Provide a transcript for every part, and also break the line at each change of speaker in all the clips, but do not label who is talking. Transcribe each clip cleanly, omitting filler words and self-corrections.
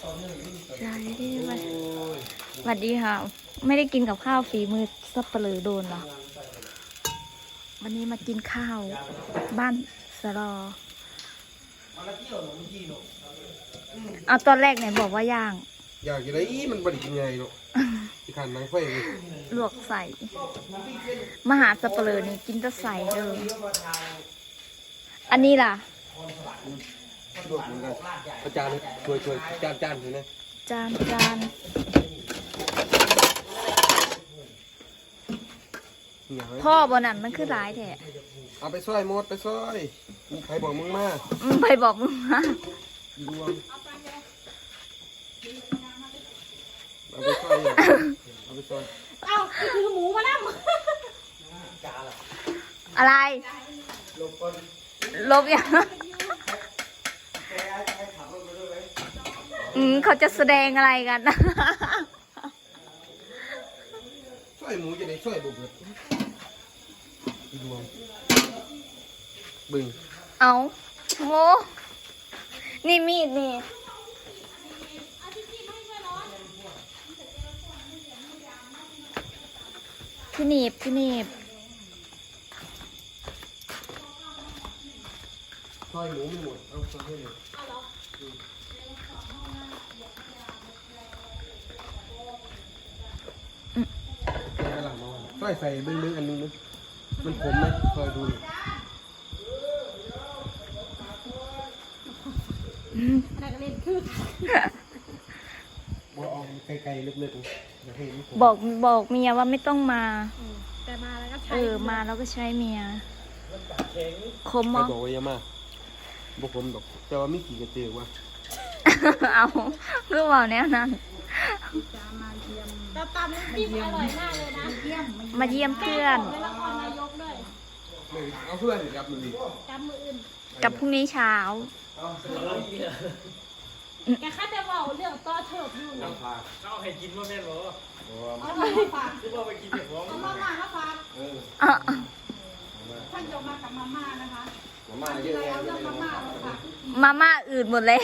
สวัสดีค่ะไม่ได้กินกับข้าวฝีมือสับเปลือโดนหรอวันนี้มากินข้าวบ้านสรอเอาตอนแรกไหนบอกว่าย่าง
อยากกินอะไรมันบริกินไงเนาะที่ขันนังไฟ
ลวกใส่มหาสับเปลือนี่กินจะใส่เลยอันนี้ล่ะ
ลวกเหมือนกันอาจารย์ช่วยจานเห็นไหม
จานพ่อบนั่นมันคือร้ายแท้
เอาไปซอยหมดไปซอยใครบอกมึงมา
ไปบอกมึงมา
ดวงเอาไปซอยเอาไปซอย
เอาคือหมูมานั่ง
อะไรลบยังเขาจะแสดงอะไรกัน
ซอยหมูจะได้ซอยบุบเลยดวงบึง
เอาโง่นี่มีดนี่พี่หนีบ
ซอยหมูไม่หมดเอาซอยให้หมดซอยใส่บึ้งอันนึงนึงมันขมไหมคอยดู
อะไรก็เล่นคือ
บอกออกไกลๆลึกๆอย่าให้มัน
บอกเมียว่าไม่ต้องมา
แต่มาแล้วก็ใช้
มาแล้วก็ใช้เมียคม
มั้
ง
บอกว่าอย่ามาบอกผมดอกแต่ว่าไม่กี่กระเตือว่า
เอาเพื่อว่าแนวนั้น
เราตำน้ำจิ้มอร่อยมากเลยนะ
มาเยี่ยมเพื่อน
เป็นละครนายกด้วย
เอาเพื่อนกับมือ
กับมืออื่น
กับพรุ่งนี้เช้า
แกข้าจะบอกเรื่องต่อเถิดอยู่
เอาให้กินว่าแม่นหรอ
เอามาฝาก
คือว่าไปกินเด็กร้อง
เอามาฝากท่านจะมากับมาม่านะคะ
มาม่าเยอะเลย
มาม่าอื่นหมดเลย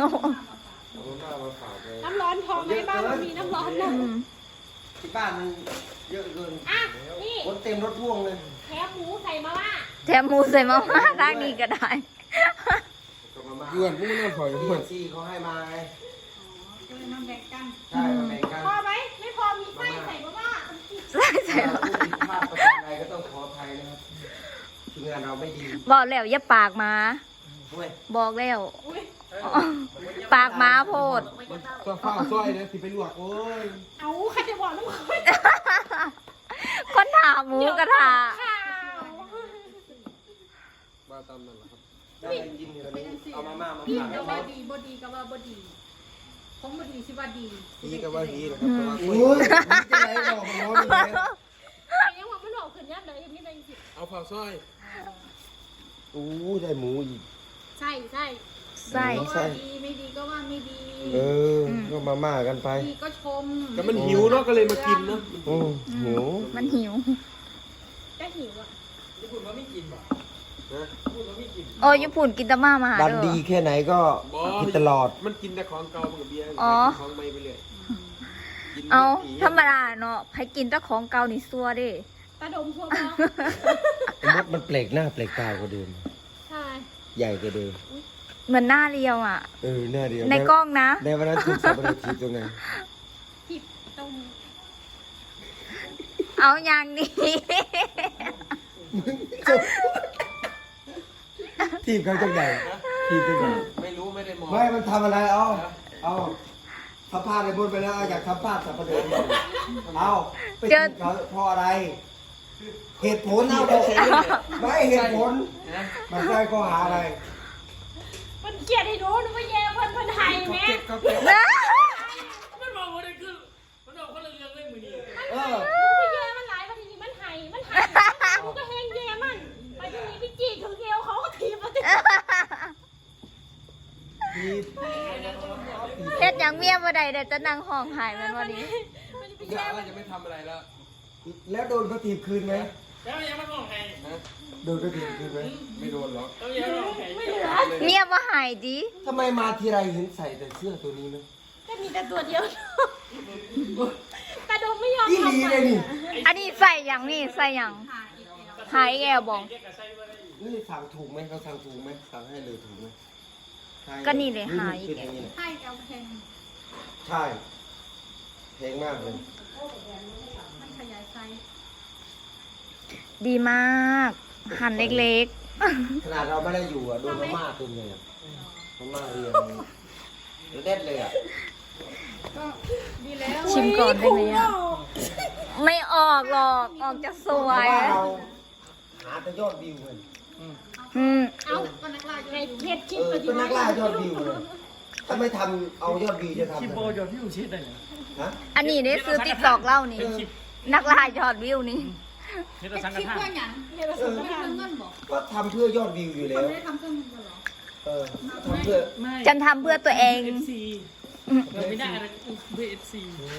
น้ำร้อนพอไหมบ้านมีน้ำร้อนนะ
ที่บ้านมันเยอะเกิน
อ่ะนี่
รถเต็มรถพ่วงเลย
แถมหมูใส่มาม่า
ทางนี้ก็ได้
เพื่อนพวกนั้นถอยเพื่อน
ซี่เขาให้มาไง
มาแบ่งกัน
ใช่มาแบ่งกัน
พอไหมไม่พอมีไส้ใส่มาม่า
ใส่
ผู้ผิดพลาดประการใดก็ต้องขออภัยนะครับทีมงานเราไม่ดี
บอกแล้วอย่าปากมาบอกแล้วปากม้าโพด
ก็ข้าวซอยนะที่ไปลวกโอ้ย
เอาใครจะบอกลูก
คนถามหมูกระทะ
บ้าตามนั่นแหละครับ
ได้ยินกันนี้เอามาม่ามา
พี่
ฝาก
ก็ว่าดีบดีก็ว่าบดีผมบดีสิว่าดี
ดีก็ว่าดีนะครับแต่ว่าโอ้ยจะไหนบอกมันร้อนเลย
ยังว่ามันหลอกขึ้นยับเลยมีอะไรสิ
เอาข้าวซอยโอ้ได้หมูอีก
ใช่ดีไม่ดีก็ว่าไม่ดี
ก็มาม่ากันไป
ดีก็ชม
แต่มันหิวเนาะก็เลยมากินเนาะ
หิว
มันหิว
ก็หิวอ่ะ
ญี่ปุ่นว่าไม่กินป่ะ
ญี่ปุ่นกินแต่มาหา
ดันดีแค่ไหนก็กินตลอด
มันกินแต่ของเก่ามันกับเบียร์ของใหม่ไปเลย
เอาธรรมดาเนาะให้กินแต่ของเก่านี่ซัวดิ
ตาดมซัว
มดมันเปลกหน้าเปลกตากว่าเดิม
ใช่
ใหญ่กว่าเดิม
เหมือนหน้าเรียวอ่ะ
หน้าเรียว
ในกล้องนะ
ในวันนั้นถูกสับปะรดทีตรงไหน
ผิดตรง
เอาอย่างนี้
ทีมเขาจังใหญ่ทีมจังใหญ่
ไม่รู้ไม่ได้มอง
ไม่มันทำอะไรเอาทำพลาดในบนไปแล้วอยากทำพลาดสับปะรดเอาไปทีมเขาเพราะอะไรเหตุผลเอาไม่เหตุผลมันได้ข้อหาอะไร
มันเกลียดให้รู้นึกว่าแย่เพิ่นไทยแม่
มันบอกว่าได้คือมันบอกว่าเรื่องเล่นมือดี
มันแย่มันหลายวันนี้มันไทยมันก็แห้งแย่มันไปทีนี้พี่จีถึงเอวเขาก็ถีบมา
เฮ็ดอย่างเมียบ่ได้เดี๋ยวจะนั่งห้องหายมันวันนี้
เดี๋ยวอะไรจะไม่ทำอะไรแล้ว
แล้วโดนเขาถีบคืนไหม
แล้วยังไม่มองใคร
โดนเขาถีบคืนไหม
ไม่โดนหรอก
เมียบ่หายดิ
ทำไมมาทีไรเห็นใส่แต่เสื้อตัวนี้ไหม
ก็มีแต่ตัวเดียวแต่โดมไม่ยอม
อีหลี
ทำ
เลยนี่
อันนี้ใส่อย่างนี่ใส่อย่างหายแกวบอง
นี่สั่งถูกไหมเขาสั่งถูกไหมสั่งให้เลยถูกไหมใช่
ก็นี่เลยหาย
เป็นอย่างนี้แหละ
ให้เอาแพง
ใช่แพงมากเลย
มันขยายไซส์
ดีมาก หั่นเล็ก
ขนาดเราไม่ได้อยู่อ่ะโดนมาม่าตุนเลยอ่ะมาม่าเรียงเด็ดเลยอ่ะ
ดีแล้ว
ๆ ชิมก่อนได้ไหมอ่ะ ไม่ออกหรอก ออกจะสวย
เพราะว่าเราหาแต่ยอดวิวกัน
อืม
เอาเป็นนักล่าในเพจคลิป
เป็นนักล่ายอดวิวเลยถ้าไม่ทำเอายอดวิวจะทำ
คลิป
ไง
โบยอดที่อยู่ชิดเลย
ฮะ
อันนี้ได้ซื้อติ๊กตอกเล่านี่ นักล่ายอดวิวนี่
เฮ็ดสังฆทาน
เรียนภาษาไม่ทำเงินบอก
ก็ทำเพื่อยอดวิวอยู่แล้ว
ไม่ได้ทำเพื่อเงินหรอ
เออทำเพื่อ
ไม่
ฉันทำเพื่อตัวเอง
FC เราไม่ได้อะไรเพื่อ FC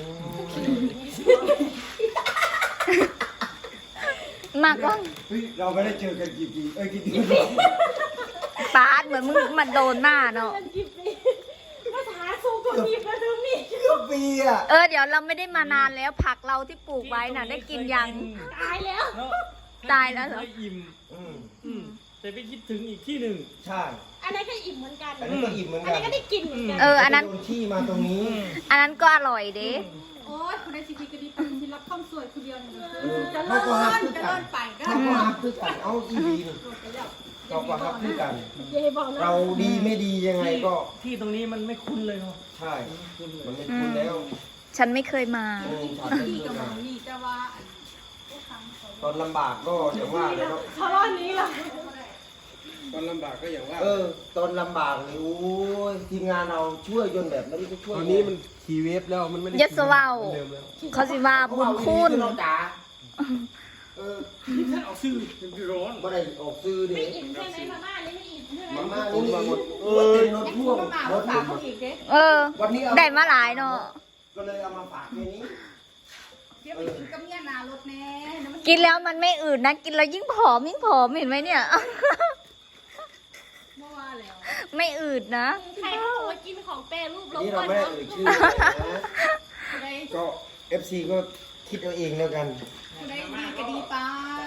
มากก็
เฮ้ยเราไม่ได้เจอกันกี่ปีกี่ปี
ปาดเหมือนมึงมันโดนหน้าเนาะ
เงินกี่ปีภาษาสูงกว่ามีมาดูมี
เกือบปีอ่ะ
เดี๋ยวเราไม่ได้มานานแล้วผักเราที่ปลูกไว้น่ะได้กินยัง
ตายแล้ว
ตายแล้วเหรอ
ไม่อิ่ม
อืม
แต่ไปคิดถึงอีกที่หนึ่ง
ใช่
อันนั้นก็อิ่มเหมือนกัน
อันนี้ก็อิ่มเหมือน
อัน
กัน
นี้ก็ได้กินเหมือนกัน
อันนั้น
โดนที่มาตรงนี้
อันนั้นก็อร่อยเด้
โอ้ยคุณได้ชีวิตก็ดีไปที่รับข้ามสวยคนเดียวเนี่ย
จะเลิศจะเลิศไปเขาก็ฮับคือกันเอาอีดีนี่เราก็ฮับคือกัน
เย่บอกนะ
เราดีไม่ดียังไงก็
ที่ตรงนี้มันไม่คุ้นเลยเนาะ
ใช่ มันไม่คุ้นแล้ว
ฉันไม่เคยมา
ฉันไม่เคยมาตอนลำบากก็อย่างว่าเลยเนาะ
เขารอดนี้เหรอ
ตอนลำบากก็อย่างว่า
ตอนลำบากนี่โอ้ยทีมงานเราช่วยจนแบบไม่ได้ช่วย
ตอนนี้มันขี่เวฟแล้วมันไม่ได้
ยัสเว้า
เดิมแล้ว
เขาสิว่าบุญคุณ
เราจ๋า
ที่ท่านออกซื้อเป็นร้อน
ไม่ได้ออกซื้อดิ
ไม่อิ่มใช่ไหมมาม่านี่ไม่อิ่มใช่ไหม
มาม่านี่มาหมดเต็มรถพ่วงรถหมด วันนี้เอา
ได้มาหลายเนาะ
ก็เลยเอามาฝากในนี้
กินแล้วมันไม่อืดนะ กินแล้วยิ่งผอมเห็นไหมเนี่ย ไม่อืดนะ
ใครเขาบอกว่ากินของแปรรูปลง
นี่เรา
วัน
ไม่ได้
เนาะ
เอ่ยชื่อนะก็ FC ก็คิดเอาเองแล้วกัน
ได้ดีก็ดีไป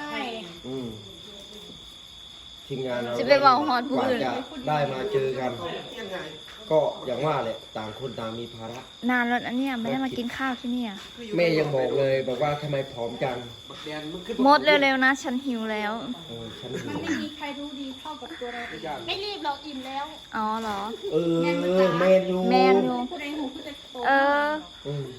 ทีมงานเรา
จะไปบอกฮอดผู้
กว่า
อื่น
จะได้มาเจอกัน ก็อย่างว่าแหละต่างคนต่างมีภาระ
นานแล้วนะเนี่ยไม่ได้มากินข้าวที่เนี่ย
แม่ยังบอกเลยบอกว่าทำไมผอมจัง
บักแดนมันขึ้น
หมดเร็วๆนะ ฉันหิวแล้ว
ฉันหิว
ไม่มีใครรู้ดีเท่ากับตัวเราไม่รีบเราอิ่มแล้ว
อ๋อเหรอ
แมนยู
แมนอยู่
ผู้ใดหูผู้ใดโต
อืม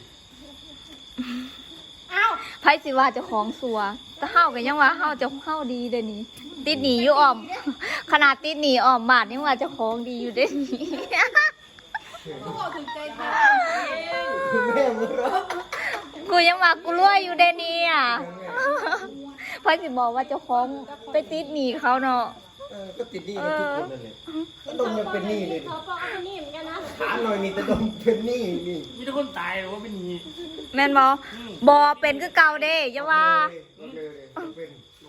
อ้าว
ไพ่สิว่าเจะของสัวแต่เฮากันยังว่าเฮาจะเฮาดีเด้อนี่ติดหนีอยู่อ่อม ขนาดติดหนีอ่อมบาทยังว่าเจะของดีอยู่เด้อนี่
เขาบอกถึงใจเธอ
แม่มือร้อง
กูยังว่ากูรวยอยู่เด้อนี่อ่ะไพ่สิบอกว่าเจ้าของไปติดหนีเขาเนาะ
ก็ติดหนี้กันทุกคนนั่นแหละก็ดมยังเป็นหนี้เลย
เขาบอกเอาเป็นหนี้เหมือนกันนะ
ถามหน่อยนี่แต่ดมเป็นหนี้นี่
มีแต่คนตายหรือว่าเป็นนี้
แม่นบอเป็นคือเก่าเด้อย่าว่า
เป็น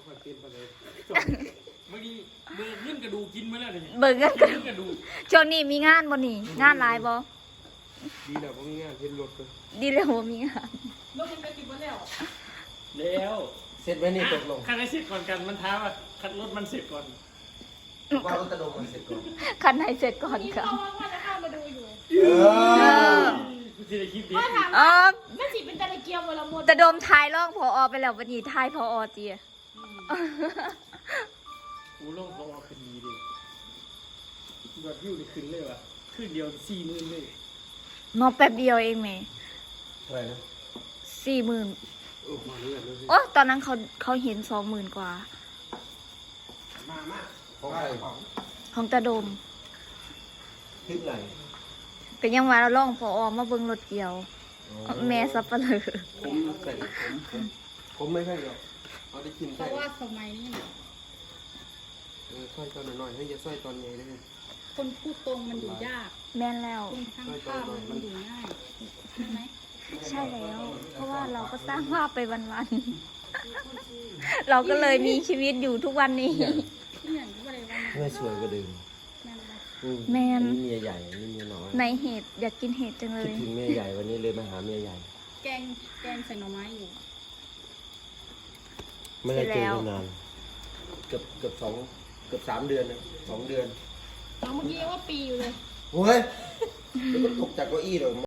บางทีมือขึ้นกระดูกกินมาแล้วนี่
เบิ่งกันกัน
ขึ้นกระดูก
ช่วงนี้มีงานบ่นี่ งานหลายบ่
ดีแล้วผมมีงานเห็นรถเลย
ดีแล้วบ่มีงาน
ลูกมันไปกินมาแล้ว
แล้ว
เสร็จไหมนี่ตกลง
คันให้เสร็จก่อนกันมันท้าว่าคันรถมันเสร็จก่อน
ว่ารถตะดมมันเสร็จก่อน
คันไหนเสร็จก่อน
นี่
ค่ะ
เขาว่าจะเข้ามาดูอยู่
กูจะได้คิดดี
ว่าถาม
อ๋อ
ไม่สิเป็นตะเกียบเวลาหมด
จะโดมทายร่องพอไปแล้ววันนี้ทายพอเจีย
กูลงพอคดีดิยอดวิวได้ขึ้นเลยว่ะขึ้นเดียว40,000เลย
นอนแป๊บเดียวเองแหม่
อะไรนะ
40,000
มาเรื่อยเลย
โอ้ตอนนั้นเขาเห็น20,000 กว่า
มา
ของใคร
ของตาโดม
คลิปไหน
ก็ยังว่าเราล่องพอมาเบิ่งรถเกี่ยว แม่สับปะเลอ
ผมใส่ผมไม่ใช่หรอกเอาได้กิน
เพ
ใส่
ราะว่าสมัยนี้
สร้อยตอนหน่อยๆให้จะสร้อยตอนใหญ่ได้
คนพูดตรงมันอยู่ยาก
แม่นแล้ว
คนข้างข้ามมันอยู่ง่ายใช่ไหม
ใช่แล้ว เพราะว่าเราก็สร้างภาพไปวันๆ เราก็เลยมีชีวิตอยู่ทุกวันนี้
ที่อย่างที่อะไรวะ
เมื่อสวยก็ดึง
นั่นแหละ
แมน
นี่เมียใหญ่นี่เมียน้อย
ในเห็ดอยากกินเห็ดจังเล
คิด
ย
ถึงเมียใหญ่วันนี้เลยมาหาเมียใหญ่
แกงใส่หน่อไม้อยู่
ไม่ได้เจอกันนานเกือบ3 เดือนนะ2 เดือน
เอาเมื่อกี้ว่าปีอยู่เลย
โอ้ยแล้วก็ตกจากเก้าอี้เลย